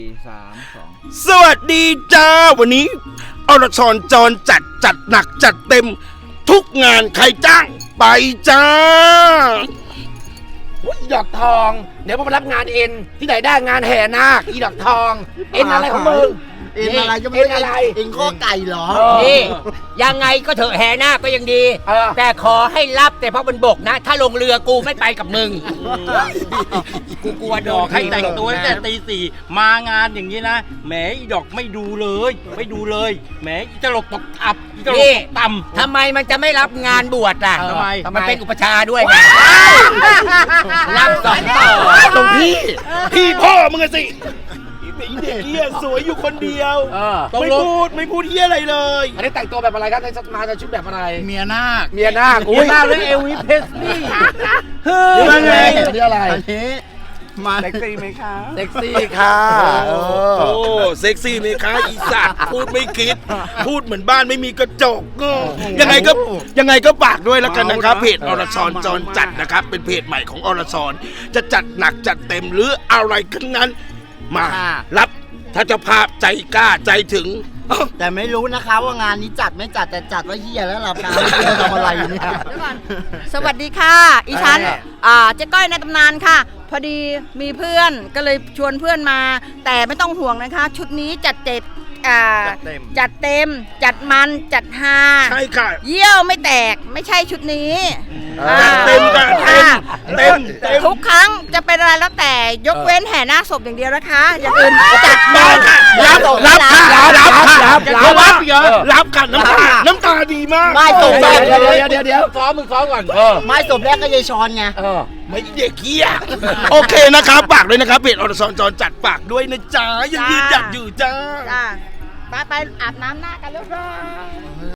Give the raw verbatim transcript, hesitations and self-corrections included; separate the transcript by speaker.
Speaker 1: สามสอง
Speaker 2: สวัสดีจ้าวันนี้อรชรจรจัดจัดหนักจัดเต็มทุกงานใครจ้างไปจ้า
Speaker 3: อีดอกทอง เดี๋ยวมารับงานเอ็นที่ไหนได้งานแห่นาคอีดอกทอง เอ็นอะไรของมึง
Speaker 4: เอ็นอะไรก็ไม่
Speaker 3: เอ็นอะไร
Speaker 4: เอ็นข้อไก่เหรอ
Speaker 5: นี่ยังไงก็เถอะแห่หน้าก็ยังดี
Speaker 3: เออ
Speaker 5: แต่ขอให้รับแต่เพราะมันบกนะ ถ้าลงเรือกูไม่ไปกับมึง กูกลัวโด
Speaker 6: ดอน กให้แต่งตัวตั้งแต่ตีสี่มางานอย่างนี้นะแหมอีดอกไม่ดูเลย ไม่ดูเลยแหมอีตลกตกอับอีตลก
Speaker 5: นี่
Speaker 6: ตกต่
Speaker 5: ทำไมมันจะไม่รับงานบวชล่ะ
Speaker 6: ำทำไม
Speaker 5: มันเป็นอุปชฌาย์ด้วยไงรับสองต่อ
Speaker 2: ตรงพี่พี่พ่อมึงอะสิไอ้เด็กเหี้ยสวยอยู่คนเดียว
Speaker 3: เออ
Speaker 2: ไม่พูดไม่พูดเหี้ยอะไรเลย
Speaker 3: อันนี้แต่งตัวแบบอะไรครับในมาในชุดแบบอะไร
Speaker 4: เมียนาค
Speaker 3: เมียนาค
Speaker 6: เมียนาคหรือเอลวิสเพสลีย์
Speaker 3: นี่มันไงอันนี้อะไร
Speaker 4: อันนี้มา
Speaker 3: เซ็กซี่ค่ะเออ
Speaker 2: โอ้เซ็กซี่ไหมคะอีสัตว์พูดไม่คิด พูดเหมือนบ้านไม่มีกระจกก็ยังไงก็ยังไงก็ฝากด้วยแล้วกันนะครับเพจอรชรจรจัดนะครับเป็นเพจใหม่ของอรชรจะจัดหนักจัดเต็มหรืออะไรขึ้นนั้นมารับถ้าเจะภาพใจกล้าใจถึง
Speaker 4: แต่ไม่รู้นะคะว่างานนี้จัดไม่จัดแต่จัดว่าเฮียแล้วเราการไม่ทำอะไรอยู่เนี่ย
Speaker 7: สวัสดีค่ะ อีฉันอ่าเจ๊ก้อยในตำนานค่ะ พอดีมีเพื่อนก็เลยชวนเพื่อนมา แต่ไม่ต้องห่วงนะคะ ชุดนี้จัดเต็มอ่าจัดเต็ม จัดมันจัดฮา
Speaker 2: ใช่ค่ะ
Speaker 7: เยี่ยวไม่แตกไม่ใช่ชุดนี้
Speaker 2: จัดเต็มกันเต็ม
Speaker 7: ค่ะ
Speaker 2: เต็มเต็ม
Speaker 7: ทุกครั้งจะเป็นอะไรแล้วแต่ยกเว้นแห่หน้าศพอย่างเดียวนะคะ อย่างอื่นจัด
Speaker 2: ได้ค่ะรับรับค่ะรับค่ะ
Speaker 3: รับ
Speaker 2: เพราะว่า
Speaker 3: รับเยอะ
Speaker 2: รับค่ะน้ำตาน้ำตาดีมาก
Speaker 4: ไม่ตก
Speaker 3: เดี๋
Speaker 4: แร
Speaker 3: ยว
Speaker 4: ก
Speaker 3: เดี๋ยวเดี๋ยวเดี๋ยวซ้อมมึงซ้อมก่อนเออ
Speaker 4: ไม่ตบแรกก็ยายชอนไง
Speaker 3: เออ
Speaker 2: ไม่เด็กเหี้ยโอเคนะครับฝากด้วยนะครับเพจอรชรจรจัดฝากด้วยนะจ๊ะยังยืนหยัดอยู่จ้า
Speaker 7: จ้าไปไปอาบน้ำหน้ากันเรียบร้อย